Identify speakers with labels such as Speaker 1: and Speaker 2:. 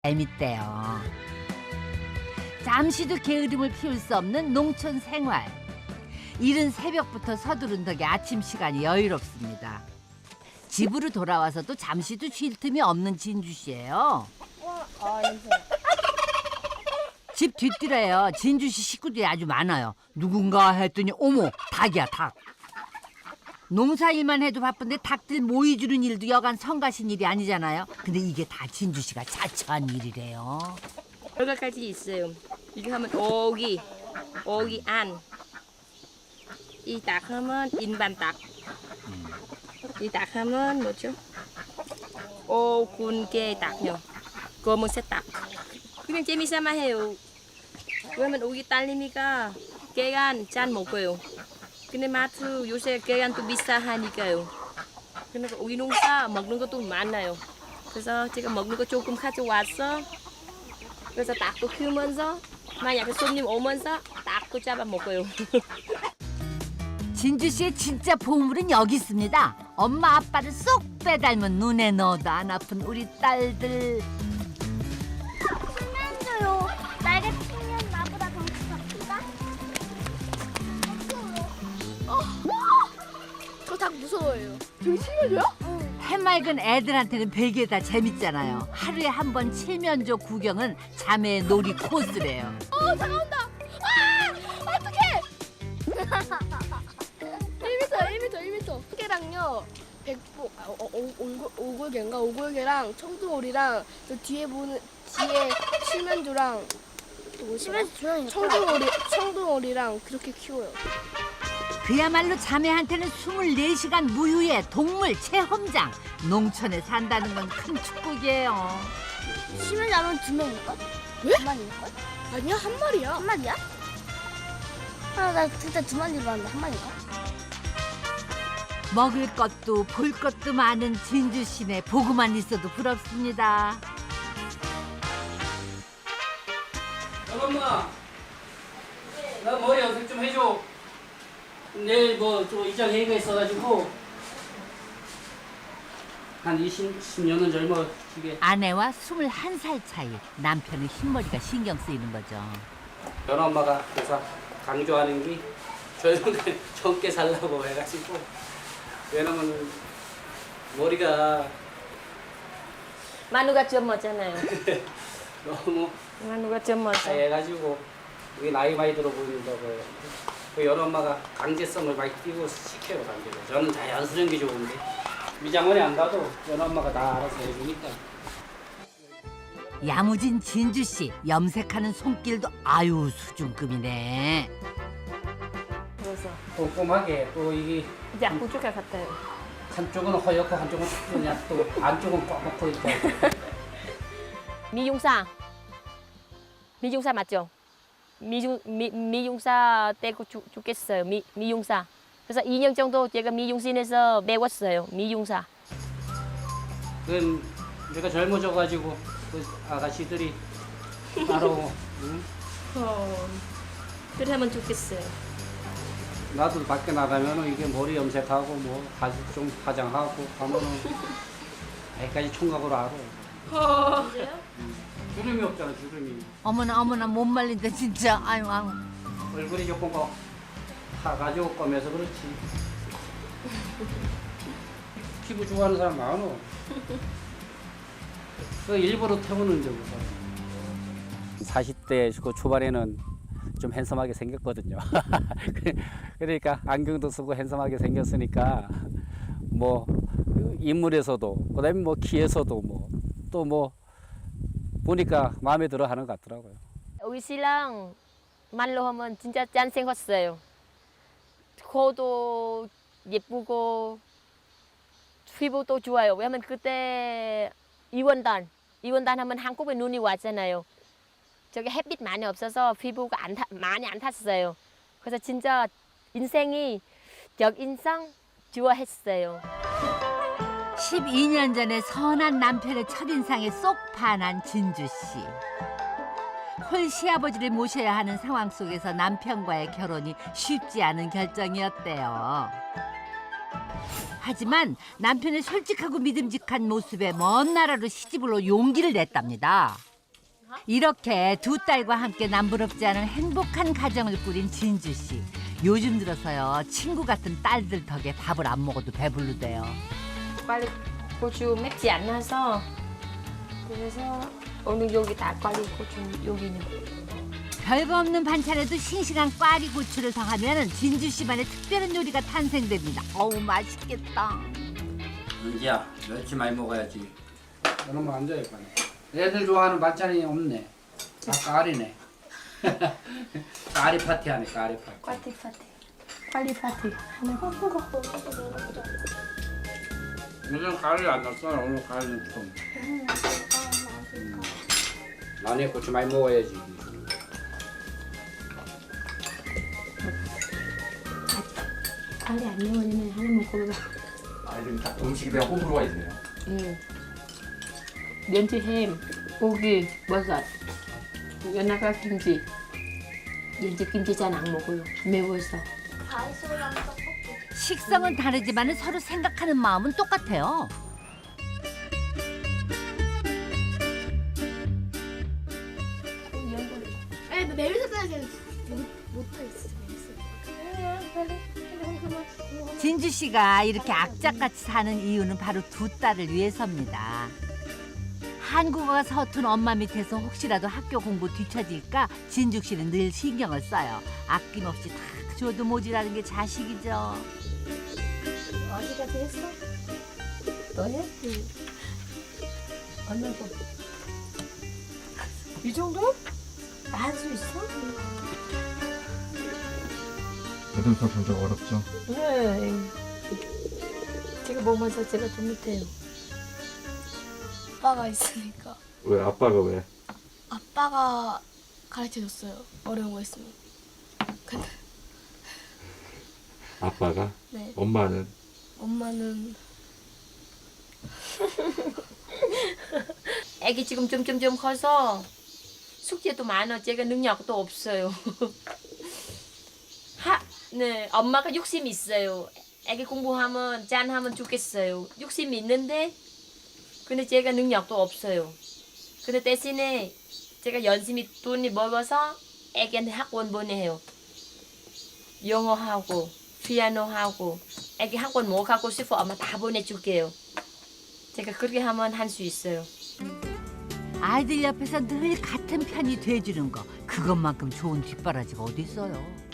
Speaker 1: 재밌대요. 잠시도 게으름을 피울 수 없는 농촌 생활. 이른 새벽부터 서두른 덕에 아침 시간이 여유롭습니다. 집으로 돌아와서도 잠시도 쉴 틈이 없는 진주 씨예요. 집 뒷뜰에요. 진주 씨 식구들이 아주 많아요. 누군가 했더니 어머, 닭이야, 닭. 농사일만 해도 바쁜데 닭들 모이 주는 일도 여간 성가신 일이 아니잖아요. 근데 이게 다 진주 씨가 자처한 일이래요.
Speaker 2: 여러 가지 있어요. 이거 하면 오기 안. 이 닭 하면 인반 닭. 이 닭 하면 뭐죠? 오군개 닭요. 검은색 닭. 그냥 재미삼아 해요. 왜냐면 오기 딸내미가 계란 잘 먹어요. 근데 마트 요새 계란도 비싸하니까요. 그러니까 오기 농사 먹는 것도 많아요. 그래서 제가 먹는 거 조금 가져왔어. 그래서 닭도 키우면서 만약에 손님 오면서 닭도 잡아 먹어요.
Speaker 1: 진주 씨의 진짜 보물은 여기 있습니다. 엄마 아빠를 쏙 빼닮은 눈에 넣어도 안 아픈 우리 딸들.
Speaker 3: 신면조요. 날개 피면 나보다 덩치가 크다. 저 닭 무서워요. 되게 신면조야? 응.
Speaker 1: 해맑은 애들한테는 베개다 재밌잖아요. 하루에 한 번 칠면조 구경은 자매의 놀이 코스래요.
Speaker 3: 다가온다. 아! 어떡해! 1m. 개랑요. 오골개랑 청둥오리랑 저 뒤에 칠면조랑 청둥오리랑 그렇게 키워요.
Speaker 1: 그야말로 자매한테는 24시간 무휴의 동물 체험장. 농촌에 산다는 건 큰 축복이에요.
Speaker 3: 칠면조 하면 2명일걸?
Speaker 2: 왜?
Speaker 3: 2마리일걸?
Speaker 2: 아니야, 한 마리야.
Speaker 3: 한 마리야? 나 진짜 2마리로 봤는데 한 마리인가?
Speaker 1: 먹을 것도 볼 것도 많은 진주 씨네 보고만 있어도 부럽습니다.
Speaker 4: 엄마, 나 머리 염색 좀 해줘. 내일 뭐 또 이장 회의가 있어가지고 한 20년은 젊어지게.
Speaker 1: 아내와 21살 차이. 남편의 흰머리가 신경 쓰이는 거죠.
Speaker 4: 변 엄마가 그래서 강조하는 게 젊게 살라고 해가지고. 왜냐면 머리가
Speaker 2: 마누가 젊었잖아요.
Speaker 4: 너무
Speaker 2: 마누가 젊었어.
Speaker 4: 해가지고 이게 나이 많이 들어 보인다고 해요. 그 여러 엄마가 강제성을 많이 띄고 시켜요, 강제로. 저는 자연스러운 게 좋은데 미장원에 안 가도 여러 엄마가 다 알아서 해주니까.
Speaker 1: 야무진 진주 씨 염색하는 손길도 아유 수준급이네.
Speaker 2: 그래서
Speaker 4: 꼼꼼하게 또 이게
Speaker 2: 이제 부족할 것 같아요.
Speaker 4: 한쪽은 허옇고 한쪽은 그냥 또 안쪽은 뻑뻑고 있고.
Speaker 2: 미용사 맞죠? 미용사 떼고 죽겠어요. 미용사. 그래서 2년 정도 제가 미용실에서 배웠어요. 미용사.
Speaker 4: 그건 내가 젊어져가지고 그 아가씨들이 따로 응?
Speaker 2: 그러면 좋겠어요.
Speaker 4: 나도 밖에 나가면은 이게 머리 염색하고 뭐 가죽 좀 화장하고 하면은 아직까지 총각으로 알아. 주름이 없잖아, 주름이.
Speaker 1: 어머나 못 말린다 진짜. 아유.
Speaker 4: 얼굴이 조금 가지고 꺼면서 그렇지. 피부 좋아하는 사람 많어. 그 일부러 태우는 적이고. 40대 그 초반에는 좀 핸섬하게 생겼거든요. 그러니까 안경도 쓰고 핸섬하게 생겼으니까 뭐 인물에서도 그다음에 뭐 키에서도 뭐 또 뭐 보니까 마음에 들어 하는 것 같더라고요.
Speaker 2: 우리 신랑 말로 하면 진짜 짠생겼어요. 코도 예쁘고 피부도 좋아요. 왜냐면 그때 이원단 하면 한국에 눈이 왔잖아요. 저기 햇빛 많이 없어서 피부가 많이 안 탔어요. 그래서 진짜 인생이 역인상 좋아했어요.
Speaker 1: 12년 전에 선한 남편의 첫인상에 쏙 반한 진주 씨. 홀 시아버지를 모셔야 하는 상황 속에서 남편과의 결혼이 쉽지 않은 결정이었대요. 하지만 남편의 솔직하고 믿음직한 모습에 먼 나라로 시집을 올 용기를 냈답니다. 이렇게 두 딸과 함께 남부럽지 않은 행복한 가정을 꾸린 진주 씨. 요즘 들어서요 친구 같은 딸들 덕에 밥을 안 먹어도 배부르대요.
Speaker 2: 빨리 고추 맵지 않아서 그래서 오늘 여기 다 꽈리 고추 여기는
Speaker 1: 별거 없는 반찬에도 싱싱한 꽈리 고추를 더하면 진주 씨만의 특별한 요리가 탄생됩니다. 어우 맛있겠다.
Speaker 4: 은지야, 멸치 많이 먹어야지. 그러면 안 돼, 이거는. 애들 좋아하는 반찬이 없네. 다 까리네. 까리 파티 하네, 까리 파티.
Speaker 2: 꽈리 파티 꽈리 파티 하나
Speaker 4: 요즘 가을 안 났어. 오늘 가을은 좀. 마늘 고추 많이 먹어야지.
Speaker 2: 꽈리 안 넣으면 하나 먹어봐.
Speaker 5: 아이들이 다 음식에 대한 호불호가 있네요.
Speaker 2: 면치 햄, 고기, 버섯, 연어가 김치. 연치 김치 잘 안 먹어요. 매워서.
Speaker 3: 다이소랑 떡볶이.
Speaker 1: 식성은 다르지만 서로 생각하는 마음은 똑같아요.
Speaker 3: 아니 매일 샀다는 못하겠어.
Speaker 1: 진주 씨가 이렇게 악착같이 사는 이유는 바로 두 딸을 위해서입니다. 한국어가 서툰 엄마 밑에서 혹시라도 학교 공부 뒤처질까 진주 씨는 늘 신경을 써요. 아낌없이 다 줘도 모자라는 게 자식이죠.
Speaker 3: 어디까지 했어?
Speaker 2: 너 해? 얼마 더? 이 정도? 할 수 있어?
Speaker 5: 애들도 점점 어렵죠.
Speaker 2: 네. 제가 보면서 제가 좀 못해요.
Speaker 3: 아빠가 있으니까.
Speaker 5: 왜 아빠가 왜?
Speaker 3: 아빠가 가르쳐줬어요. 어려운 거 있으면. 근데
Speaker 5: 아빠가?
Speaker 3: 네.
Speaker 5: 엄마는?
Speaker 3: 엄마는
Speaker 2: 애기 지금 점점 커서 숙제도 많아. 제가 능력도 없어요. 네, 엄마가 욕심이 있어요. 애기 공부하면 짠하면 좋겠어요. 욕심이 있는데 근데 제가 능력도 없어요. 근데 대신에 제가 열심히 돈이 먹어서 애기한테 학원 보내요. 영어하고 피아노하고 애기 학원 뭐 가고 싶어 엄마 다 보내줄게요. 제가 그렇게 하면 할 수 있어요.
Speaker 1: 아이들 옆에서 늘 같은 편이 돼주는 거 그것만큼 좋은 뒷바라지가 어디 있어요.